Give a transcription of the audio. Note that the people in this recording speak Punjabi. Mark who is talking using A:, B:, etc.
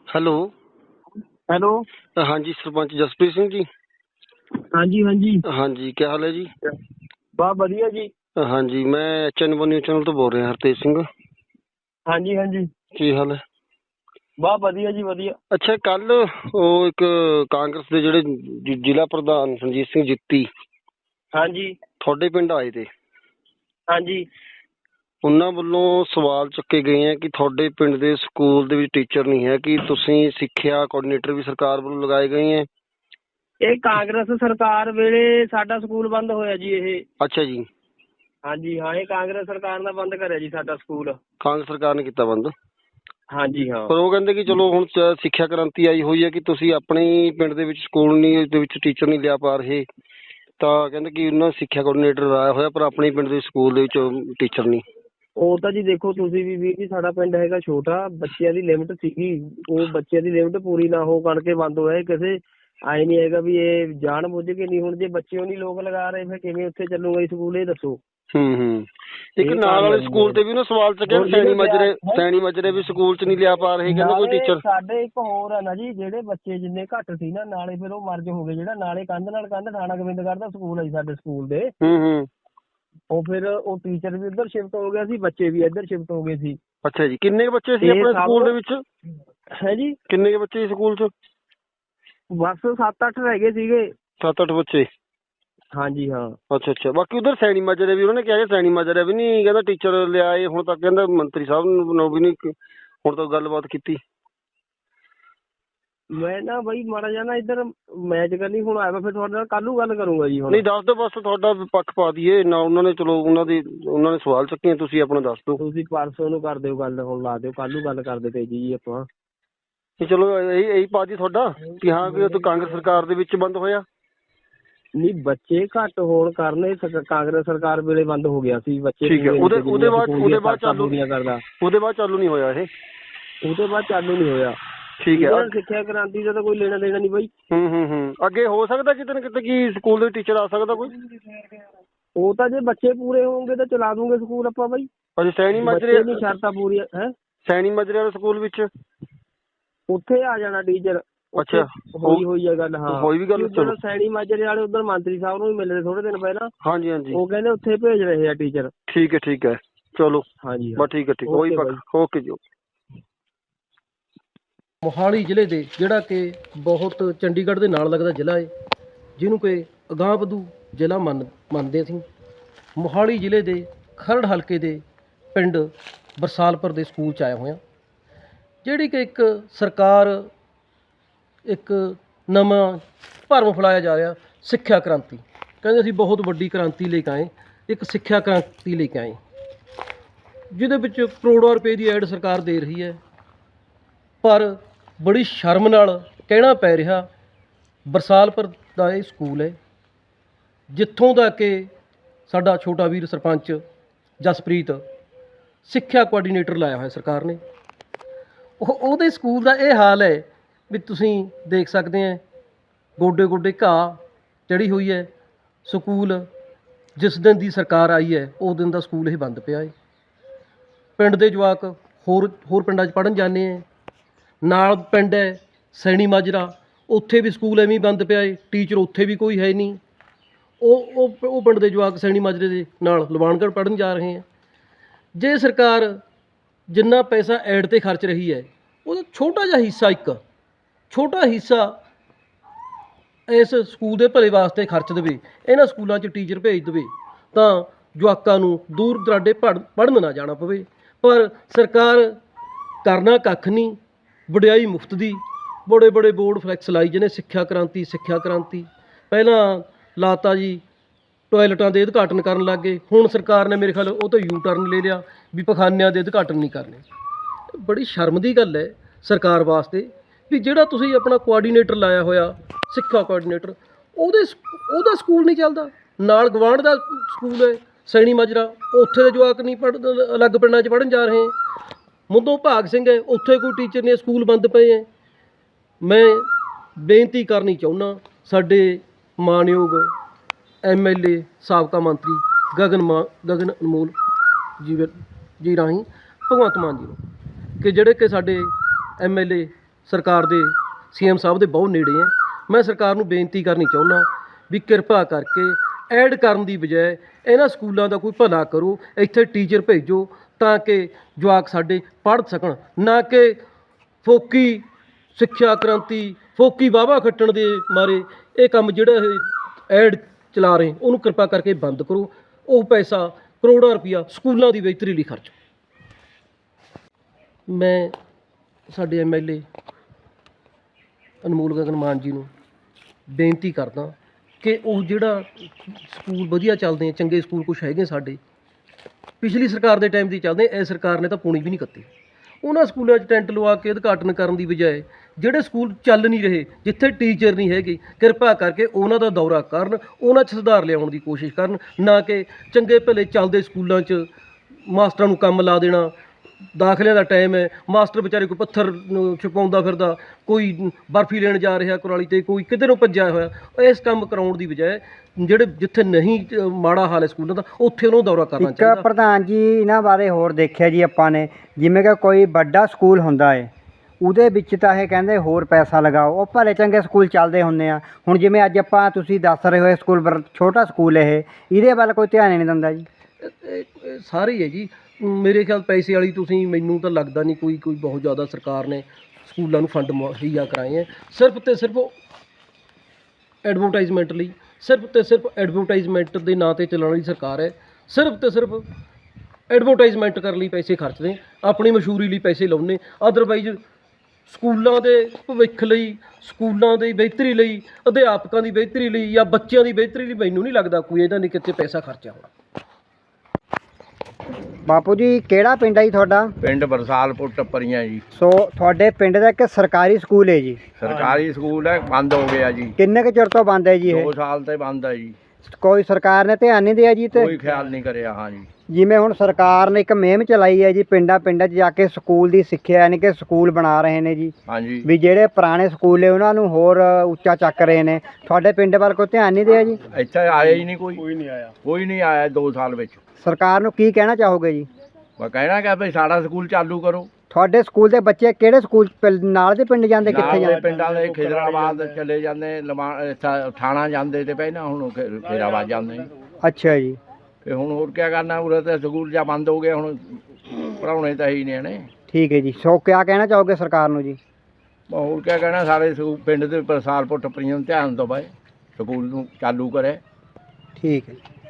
A: हेलो।
B: हेलो।
A: हाँ जी, सरपंच जसप्रीत सिंह जी।
B: हाँ जी हाँ जी।
A: हाँ जी, क्या हाल है जी?
B: बहुत बढ़िया जी।
A: हाँ जी, मैं HN1 न्यूज़ चैनल तो बोल रहे हैं, हरतेज सिंह।
B: हाँ जी हाँ जी।
A: ਕੀ ਹਾਲ ਹੈ?
B: बहुत बढ़िया जी ਵਧੀਆ।
A: ਅੱਛਾ, ਕੱਲ ਉਹ ਇੱਕ ਕਾਂਗਰਸ ਦੇ ਜਿਹੜੇ ਜ਼ਿਲ੍ਹਾ ਪ੍ਰਧਾਨ ਸੰਜੀਤ ਸਿੰਘ ਜਿੱਤੀ
B: हाँ जी
A: ਤੁਹਾਡੇ ਪਿੰਡ ਆਏ ਤੇ
B: हाँ जी।
A: ਉਹਨਾਂ ਵੱਲੋਂ ਸਵਾਲ ਚੁੱਕੇ ਗਏ ਹੈ ਕਿ ਤੁਹਾਡੇ ਪਿੰਡ ਦੇ ਸਕੂਲ ਦੇ ਵਿੱਚ ਟੀਚਰ ਨਹੀਂ ਹੈ, ਕਿ ਤੁਸੀਂ ਸਿੱਖਿਆ ਕੋਆਰਡੀਨੇਟਰ ਵੀ ਸਰਕਾਰ ਵੱਲੋਂ ਲਗਾਏ ਗਏ ਹੈ।
B: ਇਹ ਕਾਂਗਰਸ ਸਰਕਾਰ ਵੇਲੇ ਸਾਡਾ ਸਕੂਲ ਬੰਦ ਹੋਇਆ ਜੀ ਇਹ।
A: ਅੱਛਾ ਜੀ।
B: ਹਾਂਜੀ ਹਾਂ, ਇਹ ਕਾਂਗਰਸ ਸਰਕਾਰ ਨੇ ਬੰਦ ਕਰਿਆ ਜੀ ਸਾਡਾ ਸਕੂਲ।
A: ਕਾਂਗਰਸ ਸਰਕਾਰ ਨੇ ਕੀਤਾ ਬੰਦ।
B: ਹਾਂਜੀ ਹਾਂ।
A: ਪਰ ਉਹ ਕਹਿੰਦੇ ਕਿ ਚਲੋ ਹੁਣ ਸਿੱਖਿਆ ਕ੍ਰਾਂਤੀ ਆਈ ਹੋਈ ਹੈ ਕਿ ਤੁਸੀਂ ਆਪਣੇ ਹੀ ਪਿੰਡ ਦੇ ਵਿੱਚ ਸਕੂਲ ਨਹੀਂ ਦੇ ਵਿੱਚ ਟੀਚਰ ਨਹੀਂ ਲਿਆ ਪਾ ਰਹੇ, ਤਾਂ ਕਹਿੰਦੇ ਕਿ ਉਹਨਾਂ ਸਿੱਖਿਆ ਕੋਆਰਡੀਨੇਟਰ ਲਾਇਆ ਹੋਇਆ ਪਰ ਆਪਣੇ ਪਿੰਡ ਦੇ ਸਕੂਲ ਦੇ ਵਿੱਚ ਟੀਚਰ ਨਹੀਂ।
B: ਉਹ ਤਾਂ ਜੀ ਦੇਖੋ ਤੁਸੀਂ ਵੀ ਵੀਰ ਜੀ, ਸਾਡਾ ਪਿੰਡ ਹੈਗਾ ਛੋਟਾ, ਬੱਚਿਆਂ ਦੀ ਲਿਮਟ ਸੀਗੀ, ਉਹ ਬੱਚਿਆਂ ਦੀ ਲਿਮਟ ਪੂਰੀ ਨਾ ਹੋ ਕਰਕੇ ਬੰਦ ਹੋਇਆ। ਕਿਸੇ ਆਏ ਨਹੀਂ ਹੈਗਾ ਵੀ ਇਹ ਜਾਣ ਬੁੱਝ ਕੇ ਨਹੀਂ। ਹੁਣ ਜੇ ਬੱਚੇ ਉਹ ਨਹੀਂ ਲੋਕ ਲਗਾ ਰਹੇ ਫਿਰ ਕਿਵੇਂ ਉੱਥੇ ਚੱਲੂਗਾ ਜੀ ਸਕੂਲ, ਇਹ ਦੱਸੋ।
A: ਇੱਕ ਨਾਲ ਵਾਲੇ ਸਕੂਲ ਤੇ ਵੀ ਨਾ ਸਵਾਲ ਚੱਕਿਆ, ਸੈਣੀ ਮਜਰੇ ਵੀ ਸਕੂਲ ਚ ਨਹੀਂ ਲਿਆ ਪਾ ਰਹੇ, ਕਹਿੰਦੇ ਕੋਈ ਟੀਚਰ।
B: ਸਾਡੇ ਇੱਕ ਹੋਰ ਆ ਨਾ ਜੀ, ਜਿਹੜੇ ਬੱਚੇ ਜਿੰਨੇ ਘੱਟ ਸੀ ਨਾ, ਨਾਲੇ ਫਿਰ ਉਹ ਮਰਜ ਹੋ ਗਏ। ਜਿਹੜਾ ਨਾਲੇ ਕੰਧ ਨਾਲ ਕੰਧ ਥਾਣਾ ਗੋਬਿੰਦਗੜ੍ਹ ਦਾ ਸਕੂਲ ਹੈ ਜੀ ਸਾਡੇ ਸਕੂਲ ਦੇ। ਉਹ ਫਿਰ ਉਹ ਟੀਚਰ ਵੀ ਉੱਧਰ ਸ਼ਿਫਟ ਹੋ ਗਿਆ ਸੀ, ਬੱਚੇ ਵੀ ਇੱਧਰ ਸ਼ਿਫਟ ਹੋ ਗਏ ਸੀ।
A: ਅੱਛਾ ਜੀ, ਕਿੰਨੇ ਬੱਚੇ ਸੀ ਆਪਣੇ ਸਕੂਲ ਦੇ ਵਿੱਚ?
B: ਹੈ ਜੀ,
A: ਕਿੰਨੇ ਬੱਚੇ ਸੀ ਸਕੂਲ ਚ?
B: ਬਸ 7-8 ਰਹਿ ਗਏ ਸੀਗੇ।
A: 7-8 ਬੱਚੇ।
B: ਹਾਂਜੀ ਹਾਂ।
A: ਅੱਛਾ ਅੱਛਾ। ਬਾਕੀ ਉਧਰ ਸੈਣੀ ਮਾਜਰੇ ਵੀ ਉਹਨਾਂ ਨੇ ਕਿਹਾ ਸੈਣੀ ਮਾਜਰੇ ਵੀ ਨਹੀਂ ਕਹਿੰਦਾ ਟੀਚਰ ਲਿਆਏ ਹੁਣ ਤੱਕ, ਕਹਿੰਦਾ ਮੰਤਰੀ ਸਾਹਿਬ ਨੂੰ ਵੀ ਨਹੀਂ ਹੁਣ ਤੱਕ ਗੱਲਬਾਤ ਕੀਤੀ।
B: ਮੈਂ ਨਾ ਬਈ ਮਾੜਾ ਜਿਹਾ ਨਾ ਇੱਧਰ ਮੈਚ ਕਰਨੀ ਹੁਣ ਆਇਆ, ਫਿਰ ਤੁਹਾਡੇ ਨਾਲ ਕੱਲ ਨੂੰ ਗੱਲ ਕਰੂੰਗਾ ਜੀ। ਹੁਣ
A: ਨਹੀਂ ਦੱਸ ਦਿਓ, ਬਸ ਤੁਹਾਡਾ ਪੱਖ ਪਾ ਦਈਏ ਨਾ। ਉਹਨਾਂ ਨੇ ਚਲੋ ਉਹਨਾਂ ਨੇ ਸਵਾਲ ਚੱਕੇ, ਤੁਸੀਂ ਆਪਣਾ ਦੱਸ ਦਿਓ।
B: ਤੁਸੀਂ ਪਰਸੋਂ ਨੂੰ ਕਰ ਦਿਓ ਗੱਲ, ਹੁਣ ਲਾ ਦਿਓ, ਕੱਲ ਨੂੰ ਗੱਲ ਕਰਦੇ ਪਏ ਜੀ ਆਪਾਂ।
A: ਚਲੋ ਇਹੀ ਪਾ ਦੀ ਤੁਹਾਡਾ ਕਿ ਹਾਂ ਕਿ ਉਹ ਕਾਂਗਰਸ ਸਰਕਾਰ ਦੇ ਵਿੱਚ ਬੰਦ ਹੋਇਆ।
B: ਨਹੀਂ, ਬੱਚੇ ਘੱਟ ਹੋਣ ਕਾਰਨ ਕਾਂਗਰਸ ਸਰਕਾਰ ਵੇਲੇ ਬੰਦ ਹੋ ਗਿਆ ਸੀ। ਬੱਚੇ
A: ਠੀਕ ਹੈ, ਉਹਦੇ ਬਾਅਦ
B: ਕਰਦਾ,
A: ਉਹਦੇ ਬਾਅਦ ਚਾਲੂ ਨਹੀਂ ਹੋਇਆ ਇਹ।
B: ਉਹਦੇ ਬਾਅਦ ਚਾਲੂ ਨਹੀਂ ਹੋਇਆ।
A: ਠੀਕ ਹੈ।
B: ਸਿੱਖਿਆ ਕ੍ਰਾਂਤੀ ਦਾ ਤਾਂ ਕੋਈ ਲੈਣਾ ਦੇਣਾ ਨਹੀਂ ਬਾਈ।
A: ਅੱਗੇ ਹੋ ਸਕਦਾ ਕਿਤੇ ਨਾ ਕਿਤੇ ਕਿ ਸਕੂਲ ਦੇ ਟੀਚਰ ਆ ਸਕਦਾ ਕੋਈ।
B: ਉਹ ਤਾਂ ਜੇ ਬੱਚੇ ਪੂਰੇ ਹੋਣਗੇ ਤਾਂ ਚਲਾ ਦੂੰਗੇ ਸਕੂਲ ਆਪਾਂ ਬਾਈ।
A: ਅੱਛਾ, ਸੈਣੀ ਮਾਜਰੇ
B: ਦੀ ਸ਼ਰਤਾਂ ਪੂਰੀਆਂ ਹੈ।
A: ਸੈਣੀ ਮਾਜਰੇ ਵਾਲੇ ਸਕੂਲ ਵਿੱਚ
B: ਉੱਥੇ ਆ ਜਾਣਾ ਟੀਚਰ।
A: ਅੱਛਾ,
B: ਹੋਈ ਹੈ ਗੱਲ। ਹਾਂ,
A: ਹੋਈ ਵੀ ਗੱਲ।
B: ਚਲੋ ਸੈਣੀ ਮਾਜਰੇ ਵਾਲੇ ਉਧਰ ਮੰਤਰੀ ਸਾਹਿਬ ਨੂੰ ਵੀ ਮਿਲੇ ਥੋੜੇ ਦਿਨ ਪਹਿਲਾਂ।
A: ਹਾਂਜੀ ਹਾਂਜੀ।
B: ਉਹ ਕਹਿੰਦੇ ਉੱਥੇ ਭੇਜ ਰਹੇ ਆ ਟੀਚਰ।
A: ਠੀਕ ਹੈ ਠੀਕ ਹੈ, ਚਲੋ
B: ਹਾਂਜੀ
A: ਬਸ ਠੀਕ ਹੈ ਠੀਕ। ਓਕੇ ਜੀ।
C: ਮੋਹਾਲੀ ਜ਼ਿਲ੍ਹੇ ਦੇ ਜਿਹੜਾ ਕਿ ਬਹੁਤ ਚੰਡੀਗੜ੍ਹ ਦੇ ਨਾਲ ਲੱਗਦਾ ਜ਼ਿਲ੍ਹਾ ਹੈ, ਜਿਹਨੂੰ ਕਿ ਅਗਾਂਹਵਧੂ ਜ਼ਿਲ੍ਹਾ ਮੰਨਦੇ ਅਸੀਂ। ਮੋਹਾਲੀ ਜ਼ਿਲ੍ਹੇ ਦੇ ਖਰੜ ਹਲਕੇ ਦੇ ਪਿੰਡ ਬਰਸਾਲਪੁਰ ਦੇ ਸਕੂਲ 'ਚ ਆਏ ਹੋਏ ਹਾਂ, ਜਿਹੜੀ ਕਿ ਇੱਕ ਸਰਕਾਰ ਇੱਕ ਨਵਾਂ ਭਰਮ ਫੈਲਾਇਆ ਜਾ ਰਿਹਾ, ਸਿੱਖਿਆ ਕ੍ਰਾਂਤੀ। ਕਹਿੰਦੇ ਅਸੀਂ ਬਹੁਤ ਵੱਡੀ ਕ੍ਰਾਂਤੀ ਲੈ ਕੇ ਆਏ, ਇੱਕ ਸਿੱਖਿਆ ਕ੍ਰਾਂਤੀ ਲੈ ਕੇ ਆਏ, ਜਿਹਦੇ ਵਿੱਚ ਕਰੋੜਾਂ ਰੁਪਏ ਦੀ ਐਡ ਸਰਕਾਰ ਦੇ ਰਹੀ ਹੈ। ਪਰ ਬੜੀ ਸ਼ਰਮ ਨਾਲ ਕਹਿਣਾ ਪੈ ਰਿਹਾ, ਬਰਸਾਲਪੁਰ ਦਾ ਇਹ ਸਕੂਲ ਹੈ ਜਿੱਥੋਂ ਦਾ ਕਿ ਸਾਡਾ ਛੋਟਾ ਵੀਰ ਸਰਪੰਚ ਜਸਪ੍ਰੀਤ ਸਿੱਖਿਆ ਕੋਆਰਡੀਨੇਟਰ ਲਾਇਆ ਹੋਇਆ ਸਰਕਾਰ ਨੇ। ਉਹਦੇ ਸਕੂਲ ਦਾ ਇਹ ਹਾਲ ਹੈ ਵੀ ਤੁਸੀਂ ਦੇਖ ਸਕਦੇ ਹੈ, ਗੋਡੇ ਗੋਡੇ ਘਾਹ ਚੜ੍ਹੀ ਹੋਈ ਹੈ। ਸਕੂਲ ਜਿਸ ਦਿਨ ਦੀ ਸਰਕਾਰ ਆਈ ਹੈ ਉਸ ਦਿਨ ਦਾ ਸਕੂਲ ਇਹ ਬੰਦ ਪਿਆ ਹੈ। ਪਿੰਡ ਦੇ ਜਵਾਕ ਹੋਰ ਪਿੰਡਾਂ 'ਚ ਪੜ੍ਹਨ ਜਾਂਦੇ ਹੈ। ਨਾਲ ਪਿੰਡ ਹੈ ਸੈਣੀ ਮਾਜਰਾ, ਉੱਥੇ ਵੀ ਸਕੂਲ ਐਵੇਂ ਬੰਦ ਪਿਆ ਹੈ, ਟੀਚਰ ਉੱਥੇ ਵੀ ਕੋਈ ਹੈ ਨਹੀਂ। ਉਹ ਪਿੰਡ ਦੇ ਜਵਾਕ ਸੈਣੀ ਮਾਜਰੇ ਦੇ ਨਾਲ ਲਵਾਨਗੜ੍ਹ ਪੜ੍ਹਨ ਜਾ ਰਹੇ ਹੈ। ਜੇ ਸਰਕਾਰ ਜਿੰਨਾ ਪੈਸਾ ਐਡ 'ਤੇ ਖਰਚ ਰਹੀ ਹੈ, ਉਹਦਾ ਛੋਟਾ ਜਿਹਾ ਹਿੱਸਾ, ਇੱਕ ਛੋਟਾ ਹਿੱਸਾ ਇਸ ਸਕੂਲ ਦੇ ਭਲੇ ਵਾਸਤੇ ਖਰਚ ਦੇਵੇ, ਇਹਨਾਂ ਸਕੂਲਾਂ 'ਚ ਟੀਚਰ ਭੇਜ ਦੇਵੇ, ਤਾਂ ਜਵਾਕਾਂ ਨੂੰ ਦੂਰ ਦਰਾਡੇ ਪੜ੍ਹਨ ਨਾ ਜਾਣਾ ਪਵੇ। ਪਰ ਸਰਕਾਰ ਕਰਨਾ ਕੱਖ ਨਹੀਂ, ਵਡਿਆਈ ਮੁਫਤ ਦੀ। ਬੜੇ ਬੜੇ ਬੋਰਡ ਫਲੈਕਸ ਲਾਈ ਜਿਹਨੇ ਸਿੱਖਿਆ ਕ੍ਰਾਂਤੀ ਸਿੱਖਿਆ ਕ੍ਰਾਂਤੀ। ਪਹਿਲਾਂ ਲਾਤਾ ਜੀ ਟੋਇਲਟਾਂ ਦੇ ਉਦਘਾਟਨ ਕਰਨ ਲੱਗ ਗਏ, ਹੁਣ ਸਰਕਾਰ ਨੇ ਮੇਰੇ ਖਿਆਲ ਉਹ ਤੋਂ ਯੂ ਟਰਨ ਲੈ ਲਿਆ ਵੀ ਪਖਾਨਿਆਂ ਦੇ ਉਦਘਾਟਨ ਨਹੀਂ ਕਰਨੇ। ਬੜੀ ਸ਼ਰਮ ਦੀ ਗੱਲ ਹੈ ਸਰਕਾਰ ਵਾਸਤੇ ਵੀ ਜਿਹੜਾ ਤੁਸੀਂ ਆਪਣਾ ਕੋਆਰਡੀਨੇਟਰ ਲਾਇਆ ਹੋਇਆ, ਸਿੱਖਿਆ ਕੋਆਰਡੀਨੇਟਰ, ਉਹਦਾ ਸਕੂਲ ਨਹੀਂ ਚੱਲਦਾ। ਨਾਲ ਗਵਾਂਢ ਦਾ ਸਕੂਲ ਹੈ ਸੈਣੀ ਮਾਜਰਾ, ਉੱਥੇ ਦੇ ਜਵਾਕ ਨਹੀਂ ਅਲੱਗ ਪਿੰਡਾਂ 'ਚ ਪੜ੍ਹਨ ਜਾ ਰਹੇ। ਮੁੱਦੋਂ ਭਾਗ ਸਿੰਘ ਹੈ, ਉੱਥੇ ਕੋਈ ਟੀਚਰ ਨਹੀਂ, ਸਕੂਲ ਬੰਦ ਪਏ ਹੈ। ਮੈਂ ਬੇਨਤੀ ਕਰਨੀ ਚਾਹੁੰਦਾ ਸਾਡੇ ਮਾਣਯੋਗ MLA ਸਾਬਕਾ ਮੰਤਰੀ ਗਗਨ ਅਨਮੋਲ ਜੀ ਰਾਹੀਂ ਭਗਵੰਤ ਮਾਨ ਜੀ ਨੂੰ, ਕਿ ਜਿਹੜੇ ਕਿ ਸਾਡੇ MLA ਸਰਕਾਰ ਦੇ ਸੀਐਮ ਸਾਹਿਬ ਦੇ ਬਹੁਤ ਨੇੜੇ ਹੈ। ਮੈਂ ਸਰਕਾਰ ਨੂੰ ਬੇਨਤੀ ਕਰਨੀ ਚਾਹੁੰਦਾ ਵੀ ਕਿਰਪਾ ਕਰਕੇ ਐਡ ਕਰਨ ਦੀ ਬਜਾਏ ਇਹਨਾਂ ਸਕੂਲਾਂ ਦਾ ਕੋਈ ਭਲਾ ਕਰੋ, ਇੱਥੇ ਟੀਚਰ ਭੇਜੋ ਤਾਂ ਕਿ ਜਵਾਕ ਸਾਡੇ ਪੜ੍ਹ ਸਕਣ, ਨਾ ਕਿ ਫੋਕੀ ਸਿੱਖਿਆ ਕ੍ਰਾਂਤੀ, ਫੋਕੀ ਵਾਹਵਾ ਖੱਟਣ ਦੇ ਮਾਰੇ ਇਹ ਕੰਮ ਜਿਹੜਾ ਇਹ ਐਡ ਚਲਾ ਰਹੇ ਉਹਨੂੰ ਕਿਰਪਾ ਕਰਕੇ ਬੰਦ ਕਰੋ। ਉਹ ਪੈਸਾ ਕਰੋੜਾਂ ਰੁਪਈਆ ਸਕੂਲਾਂ ਦੀ ਬਿਹਤਰੀ ਲਈ ਖਰਚੋ। ਮੈਂ ਸਾਡੇ ਐਮਐਲਏ ਅਨਮੋਲ ਗਗਨ ਮਾਨ ਜੀ ਨੂੰ ਬੇਨਤੀ ਕਰਦਾ ਕਿ ਉਹ ਜਿਹੜਾ ਸਕੂਲ ਵਧੀਆ ਚੱਲਦੇ ਆ, ਚੰਗੇ ਸਕੂਲ ਕੁਛ ਹੈਗੇ ਸਾਡੇ, ਪਿਛਲੀ ਸਰਕਾਰ ਦੇ ਟਾਈਮ ਦੀ ਚੱਲਦੇ, ਇਸ ਸਰਕਾਰ ਨੇ ਤਾਂ ਪੂਣੀ ਵੀ ਨਹੀਂ ਕੱਤੀ। ਉਹਨਾਂ ਸਕੂਲਾਂ 'ਚ ਟੈਂਟ ਲਵਾ ਕੇ ਉਦਘਾਟਨ ਕਰਨ ਦੀ ਬਜਾਏ ਜਿਹੜੇ ਸਕੂਲ ਚੱਲ ਨਹੀਂ ਰਹੇ, ਜਿੱਥੇ ਟੀਚਰ ਨਹੀਂ ਹੈਗੇ, ਕਿਰਪਾ ਕਰਕੇ ਉਹਨਾਂ ਦਾ ਦੌਰਾ ਕਰਨ, ਉਹਨਾਂ 'ਚ ਸੁਧਾਰ ਲਿਆਉਣ ਦੀ ਕੋਸ਼ਿਸ਼ ਕਰਨ, ਨਾ ਕਿ ਚੰਗੇ ਭਲੇ ਚੱਲਦੇ ਸਕੂਲਾਂ 'ਚ ਮਾਸਟਰਾਂ ਨੂੰ ਕੰਮ ਲਾ ਦੇਣਾ। ਦਾਖਲਿਆਂ ਦਾ ਟਾਈਮ ਹੈ, ਮਾਸਟਰ ਵਿਚਾਰੇ ਕੋਈ ਪੱਥਰ ਛੁਪਾਉਂਦਾ ਫਿਰਦਾ, ਕੋਈ ਬਰਫੀ ਲੈਣ ਜਾ ਰਿਹਾ ਕੁਰਾਲੀ ਤੇ, ਕੋਈ ਕਿਤੇ ਨੂੰ ਭੱਜਿਆ ਹੋਇਆ। ਇਸ ਕੰਮ ਕਰਾਉਣ ਦੀ ਬਜਾਏ ਜਿਹੜੇ ਜਿੱਥੇ ਨਹੀਂ ਮਾੜਾ ਹਾਲ ਹੈ ਸਕੂਲਾਂ ਦਾ, ਉੱਥੇ ਉਹਨੂੰ ਦੌਰਾ ਕਰਨਾ ਚਾਹੀਦਾ।
D: ਇੱਕ ਪ੍ਰਧਾਨ ਜੀ ਇਹਨਾਂ ਬਾਰੇ ਹੋਰ ਦੇਖਿਆ ਜੀ ਆਪਾਂ ਨੇ, ਜਿਵੇਂ ਕਿ ਕੋਈ ਵੱਡਾ ਸਕੂਲ ਹੁੰਦਾ ਹੈ ਉਹਦੇ ਵਿੱਚ ਤਾਂ ਇਹ ਕਹਿੰਦੇ ਹੋਰ ਪੈਸਾ ਲਗਾਓ, ਉਹ ਭਲੇ ਚੰਗੇ ਸਕੂਲ ਚੱਲਦੇ ਹੁੰਦੇ ਆ। ਹੁਣ ਜਿਵੇਂ ਅੱਜ ਆਪਾਂ ਤੁਸੀਂ ਦੱਸ ਰਹੇ ਹੋ ਸਕੂਲ ਛੋਟਾ ਸਕੂਲ ਇਹਦੇ ਵੱਲ ਕੋਈ ਧਿਆਨ ਹੀ ਨਹੀਂ ਦਿੰਦਾ ਜੀ।
C: ਇਹ ਸਾਰੇ ਹੀ ਹੈ ਜੀ, ਮੇਰੇ ਖਿਆਲ ਪੈਸੇ ਵਾਲੀ ਤੁਸੀਂ, ਮੈਨੂੰ ਤਾਂ ਲੱਗਦਾ ਨਹੀਂ ਕੋਈ ਬਹੁਤ ਜ਼ਿਆਦਾ ਸਰਕਾਰ ਨੇ ਸਕੂਲਾਂ ਨੂੰ ਫੰਡ ਮੁਹੱਈਆ ਕਰਾਏ ਹੈ। ਸਿਰਫ ਤੇ ਸਿਰਫ ਐਡਵਰਟਾਈਜ਼ਮੈਂਟ ਲਈ, ਸਿਰਫ ਤੇ ਸਿਰਫ ਐਡਵਰਟਾਈਜ਼ਮੈਂਟ ਦੇ ਨਾਂ 'ਤੇ ਚੱਲਣ ਵਾਲੀ ਸਰਕਾਰ ਹੈ। ਸਿਰਫ ਤੇ ਸਿਰਫ ਐਡਵਰਟਾਈਜ਼ਮੈਂਟ ਕਰਨ ਲਈ ਪੈਸੇ ਖਰਚਦੇ, ਆਪਣੀ ਮਸ਼ਹੂਰੀ ਲਈ ਪੈਸੇ ਲਾਉਂਦੇ। ਅਦਰਵਾਈਜ਼ ਸਕੂਲਾਂ ਦੇ ਭਵਿੱਖ ਲਈ, ਸਕੂਲਾਂ ਦੀ ਬਿਹਤਰੀ ਲਈ, ਅਧਿਆਪਕਾਂ ਦੀ ਬਿਹਤਰੀ ਲਈ ਜਾਂ ਬੱਚਿਆਂ ਦੀ ਬਿਹਤਰੀ ਲਈ ਮੈਨੂੰ ਨਹੀਂ ਲੱਗਦਾ ਕੋਈ ਇਹਨਾਂ ਨੇ ਕਿਤੇ ਪੈਸਾ ਖਰਚਿਆ ਹੋਣਾ।
D: ਬਾਪੂ ਜੀ ਕਿਹੜਾ ਪਿੰਡ ਹੈ ਜੀ ਤੁਹਾਡਾ?
E: ਪਿੰਡ ਬਰਸਾਲਪੁਰ ਟੱਪਰੀਆਂ ਜੀ।
D: ਸੋ ਤੁਹਾਡੇ ਪਿੰਡ ਦਾ ਇੱਕ ਸਰਕਾਰੀ ਸਕੂਲ ਹੈ ਜੀ?
E: ਸਰਕਾਰੀ ਸਕੂਲ ਹੈ, ਬੰਦ ਹੋ ਗਿਆ ਜੀ।
D: ਕਿੰਨੇ ਕੁ ਚਿਰ ਤੋਂ ਬੰਦ ਹੈ ਜੀ ਇਹ?
E: 2 ਸਾਲ ਤੇ ਬੰਦ ਹੈ ਜੀ।
D: ਕੋਈ ਸਰਕਾਰ ਨੇ ਧਿਆਨ ਨਹੀਂ ਦਿਆ ਜੀ? ਤੇ
E: ਕੋਈ ਖਿਆਲ ਨਹੀਂ ਕਰਿਆ। ਹਾਂ ਜੀ,
D: ਜਿਵੇਂ ਹੁਣ ਸਰਕਾਰ ਨੇ ਇੱਕ ਮੁਹਿੰਮ ਚਲਾਈ ਹੈ ਜੀ, ਪਿੰਡਾਂ 'ਚ ਜਾ ਕੇ ਸਕੂਲ ਦੀ ਸਿੱਖਿਆ, ਯਾਨੀ ਕਿ ਸਕੂਲ ਬਣਾ ਰਹੇ ਨੇ ਜੀ,
E: ਹਾਂਜੀ।
D: ਵੀ ਜਿਹੜੇ ਪੁਰਾਣੇ ਸਕੂਲ ਨੇ ਉਹਨਾਂ ਨੂੰ ਹੋਰ ਉੱਚਾ ਚੱਕ ਰਹੇ ਨੇ। ਤੁਹਾਡੇ ਪਿੰਡ ਵੱਲ ਕੋਈ ਧਿਆਨ ਨਹੀਂ ਦਿਆ ਜੀ?
E: ਇੱਥੇ ਆਇਆ ਹੀ ਨਹੀਂ ਕੋਈ ਨਹੀਂ ਆਇਆ 2 ਸਾਲ ਵਿੱਚ।
D: ਸਰਕਾਰ ਨੂੰ ਕੀ ਕਹਿਣਾ ਚਾਹੋਗੇ ਜੀ?
E: ਮੈਂ ਕਹਿਣਾ ਕਿ ਭਈ ਸਾਡਾ ਸਕੂਲ ਚਾਲੂ ਕਰੋ।
D: ਤੁਹਾਡੇ ਸਕੂਲ ਦੇ ਬੱਚੇ ਕਿਹੜੇ ਸਕੂਲ ਨਾਲ ਦੇ ਪਿੰਡ ਜਾਂਦੇ, ਕਿੱਥੇ
E: ਨਾਲ ਦੇ
D: ਜਾਂਦੇ?
E: ਪਿੰਡਾਂ ਦੇ ਖਿਦਰਾਬਾਦ ਚਲੇ ਜਾਂਦੇ, ਥਾਣਾ ਜਾਂਦੇ ਤੇ ਪਹਿਲਾਂ, ਹੁਣ ਖਿਦਰਾਬਾਦ ਜਾਂਦੇ।
D: ਅੱਛਾ ਜੀ।
E: ਤੇ ਹੁਣ ਹੋਰ ਕੀ ਕਰਨਾ, ਉਰੇ ਤਾਂ ਸਕੂਲ ਜਾਂ ਬੰਦ ਹੋ ਗਏ, ਹੁਣ ਪੜ੍ਹਾਉਣੇ ਤਾਂ ਹੀ ਨੇ ਨੇ।
D: ਠੀਕ ਹੈ ਜੀ। ਸੋ ਕਿਆ ਕਹਿਣਾ ਚਾਹੋਗੇ ਸਰਕਾਰ ਨੂੰ ਜੀ?
E: ਹੋਰ ਕੀ ਕਹਿਣਾ, ਸਾਰੇ ਪਿੰਡ ਦੇ ਬਰਸਾਲਪੁਰ ਟੱਪਰੀਆਂ ਨੂੰ ਧਿਆਨ ਤੋਂ ਬਾਏ ਸਕੂਲ ਨੂੰ ਚਾਲੂ ਕਰੇ।
D: ਠੀਕ ਹੈ ਜੀ।